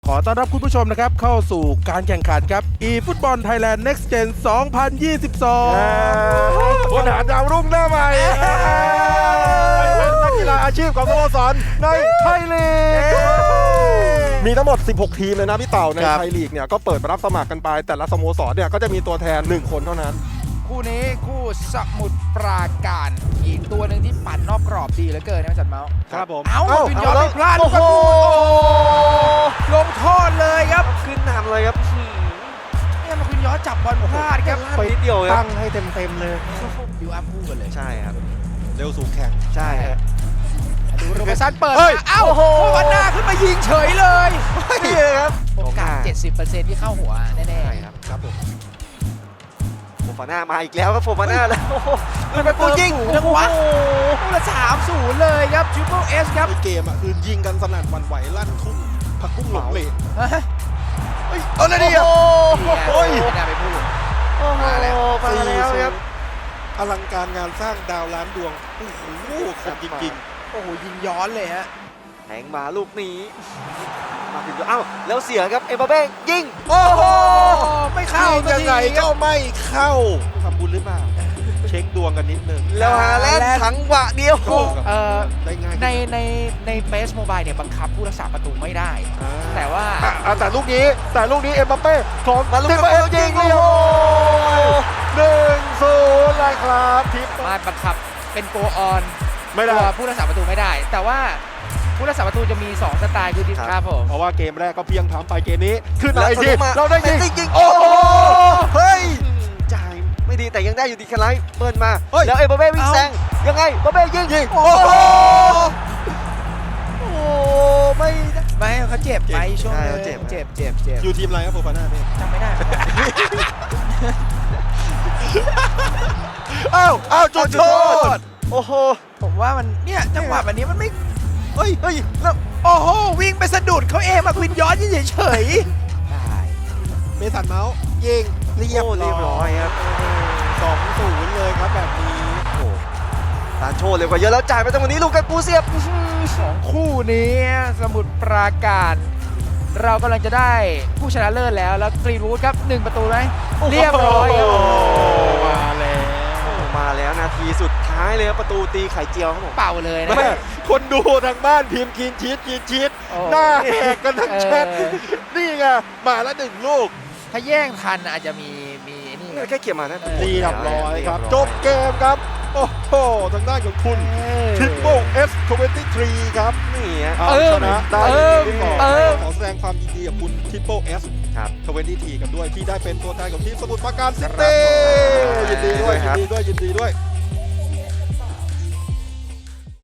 ขอต้อนรับคุณผู้ชมนะครับเข้าสู่การแข่งขันครับ eFootball Thailand Next Gen 2022 คนหาดาวรุ่งหน้าใหม่เป็นนักกีฬาอาชีพของสโมสรในไทยลีกมีทั้งหมด 16 ทีมเลยนะพี่เต่าในไทยลีกเนี่ยก็เปิดรับสมัครกันไปแต่ละสโมสรเนี่ยก็จะมีตัวแทน1คนเท่านั้นคู่นี้คู่สมุทรปราการอีกตัวหนึ่งที่ปั่นนอกกรอบดีเหลือเกินนะจัดเมาส์ครับผมเอ้าวินยอมไม่พลาดโอ้โหลงโทษเลยครับขึ้นนำเลยครับเนี่ยมาคุณย้อนจับบอลพลาดครับไปนิดเดียวครัตั้บงให้เต็มเลยบิวอัพคู่กันเลยใช่ครับเร็วสูงแข่งใช่ฮะดูโรเบร์ตสันเปิดเฮ้ยมาเอ้าโวันหน้าขึ้นมายิงเฉยเลยนี่เลยครับโอกาส 70% ที่เข้าหัวแน่ใช่ครับครับผมโฟฟาน่ามาอีกแล้วครับโฟฟาน่าแล้วโอ้โหมันเป็นปูยิงๆจังหวะคู่ละ3-0 เลยครับทริปเปิลเอสครับในเกมอ่ะคือยิงกันสนั่นหวั่นไหวลั่นทุ่งผักกุ้งหลงเหลวเอาเลยดิโอ้โอ้ยไม่น่าไปพูดโอ้โหมาแล้วครับอลังการงานสร้างดาวล้านดวงโอ้โหคมจริงโอ้โหยิงย้อนเลยฮะแทงมาลูกนี้มาถึงเอ้าแล้วเสียครับเอ็มบัปเป้ยิงๆโอ้โหไม่เข้าเข้ายังไงก็ไม่เข้าทำบุญหรือเปล่าเช็คดวงกันนิดนึงแล้วฮาแลนด์ถังหวะเดียวได้ง่ายในเฟซโมบายเนี่ยบังคับผู้รักษาประตูไม่ได้ แต่ว่าแต่ลูกนี้เอ็มบัปเป้ของมาลูกทิปนี้เอสยิงโอ้เดียวโห 1-0เลยครับทิปมาบังคับเป็นโกออนไม่ได้ตัวผู้รักษาประตูไม่ได้ แต่ว่าผู้รักษาประตูจะมี2สไตล์คือดิครับผมเพราะว่าเกมแรกก็เพียงทำไปเกมนี้ขึ้นแล้มาว อีกทีมาเราได้ยิงยิงโอ้โหเฮ้ยจ่ายไม่ดีแต่ยังได้อยู่ดีแคไลท์เปิดมาเฮ้ยแล้วเอ็มบัปเป้วิ่งแซงยังไงบัปเป้ยิงยิงโอ้โอ้โหโหโอ้ไม่ได้ไม่เขาเจ็บไปช่วงใช่นึงเขาเจ็บเจ็บอยู่ทีมอะไรครับโฟฟาน่าเนี่ยจำไม่ได้อ้าวจุดโทษโอ้โหผมว่ามันเนี่ยจังหวะแบบนี้มันไม่เฮ้ยแล้วโอ้โหวิ่งไปสะดุดเขาเองมาควินย้อนเฉยๆได้เมสันเมาส์ยิงเรียบเรียบร้อยครับ 2-0เลยครับแบบนี้โอ้ตานโชว์เร็วกว่าเยอะแล้วจ่ายไปตรงนี้ลูกกันปูเสียบคู่นี้สมุทรปราการ เรากำลังจะได้ผู้ชนะเลิศแล้วกรีนวูดครับ1ประตูไหมเรียบร้อยครับมาแล้วมาแล้วนาทีสุดท้ายเลยครับประตูตีไข่เจียวครับผมเป่าเลยนะแม่คนดูทางบ้านพิมพ์กินชีสโอ้หน้าแหกกันทั้งแชท นี่ไงมาแล้ว1 ลูกถ้าแย่งทันอาจจะมีนี่แค่เขี่ยมานะเรียบร้อยครับ จบเกมครับ โอ้โห ทางด้านของคุณทิปโป้S23 ครับนี่ฮะเอาชนะได้ที่สอง ขอแสดงความยินดีกับคุณทิปโป้ S ครับ 23กันด้วยที่ได้เป็นตัวแทนของทีมสมุทรปราการซิตี้ยินดีด้วย